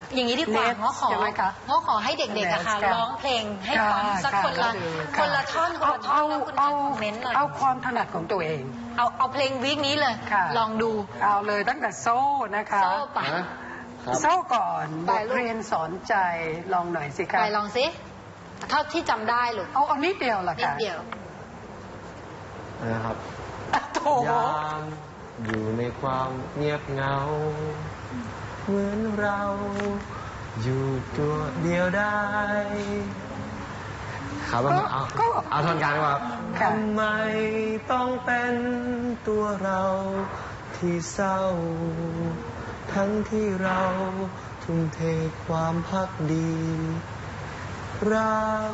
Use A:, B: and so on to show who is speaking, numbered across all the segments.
A: อย่างนี้ดีกว่าง้อขอให้เด็กๆอะค่ะร้องเพลงให้ฟังสักคนละท่อนแล้วคุณคอมเมนต์หน่อย
B: เอาความถนัดของตัวเอง
A: เอาเพลงวีคนี้เลยลองดู
B: เอาเลยตั้งแต่โซ่นะคะ
A: โซ่ปะ
B: โซ่ก่อนบทเรียนสอนใจลองหน่อยสิคะ
A: ไปลองสิเท่าที่จำได้หรือ
B: เอานิดเดียวล่ะค่ะ
A: นิดเดียว
C: นะครับ
B: ย
C: ามอยู่ในความเงียบเหงาเหมือนเราอยู่ตัวเดียวได้ครับเอาท่อนกลางดีกว่าทำไมต้องเป็นตัวเราที่เศร้าทั้งที่เราทุ่มเทความพักดีรัก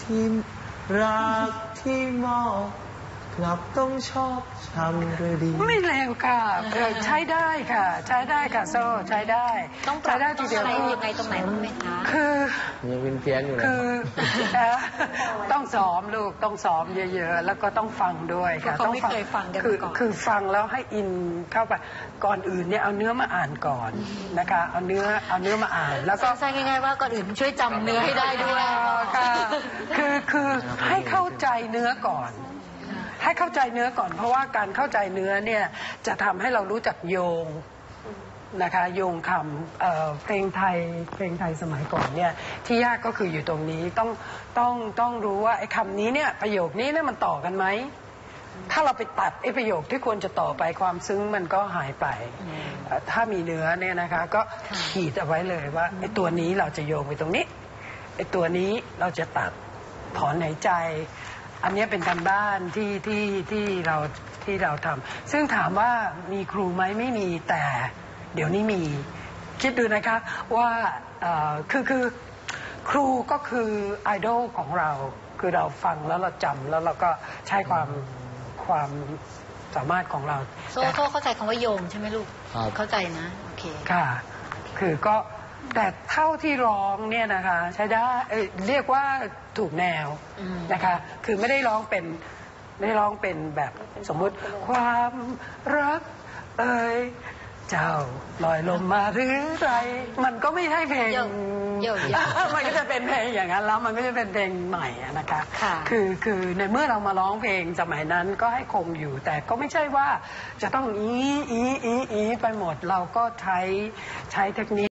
C: ที่มอบกลับต้องชอบช้ำหรือดี
B: ไม่เลวค่ะใช้ได้ค่ะใช้ได้ค่ะโซ่ใช้ได้
A: ต้องปรับได้ทีเดียวยังไงตรงไหนบ้างไหมคะ
B: คือ
C: ยังเป็นเพี้ยนอยู่เลย
B: ต้องซ้อมลูกต้องซ้อมเยอะๆแล้วก็ต้องฟังด้วยค่ะ
A: ต้องไม่เคยฟังกันก่อน
B: คือฟังแล้วให้อินเข้าไปก่อนอื่นเนี่ยเอาเนื้อมาอ่านก่อนนะคะเอาเนื้อมาอ่านแล้วก็
A: ใช่ง่ายๆว่าก่อนอื่นช่วยจำเนื้อให้ได้ด้วย
B: ค่ะคือให้เข้าใจเนื้อก่อนให้เข้าใจเนื้อก่อนเพราะว่าการเข้าใจเนื้อเนี่ยจะทำให้เรารู้จักโยงนะคะโยงคำเพลงไทยสมัยก่อนเนี่ยที่ยากก็คืออยู่ตรงนี้ต้องรู้ว่าไอ้คำนี้เนี่ยประโยคนี้เนี่ยมันต่อกันไหมถ้าเราไปตัดไอ้ประโยคที่ควรจะต่อไปความซึ้งมันก็หายไปถ้ามีเนื้อเนี่ยนะคะก็ขีดเอาไว้เลยว่าไอ้ตัวนี้เราจะโยงไปตรงนี้ไอ้ตัวนี้เราจะตัดถอนหายใจอันนี้เป็นการบ้านที่เราทำซึ่งถามว่ามีครูไหมไม่มีแต่เดี๋ยวนี้มีคิดดูนะคะว่าคือครูก็คือไอดอลของเราคือเราฟังแล้วเราจำแล้วเราก็ใช้ความสามารถของเรา
A: โซ่เข้าใจคำว่าโยงใช่ไหมลูกเข้าใจนะโอเค
B: ค่ะคือก็แต่เท่าที่ร้องเนี่ยนะคะใช้ได้เรียกว่าถูกแนวนะคะคือไม่ได้ร้องเป็นแบบสมมุติความรักเจ้าลอยลมมาหรือไรมันก็ไม่ใช่เพลงมันก็จะเป็นเพลงอย่างนั้นแล้วมันก็จะเป็นเพลงใหม่นะคะคือในเมื่อเรามาร้องเพลงสมัยนั้นก็ให้คงอยู่แต่ก็ไม่ใช่ว่าจะต้องอีไปหมดเราก็ใช้เทคนิค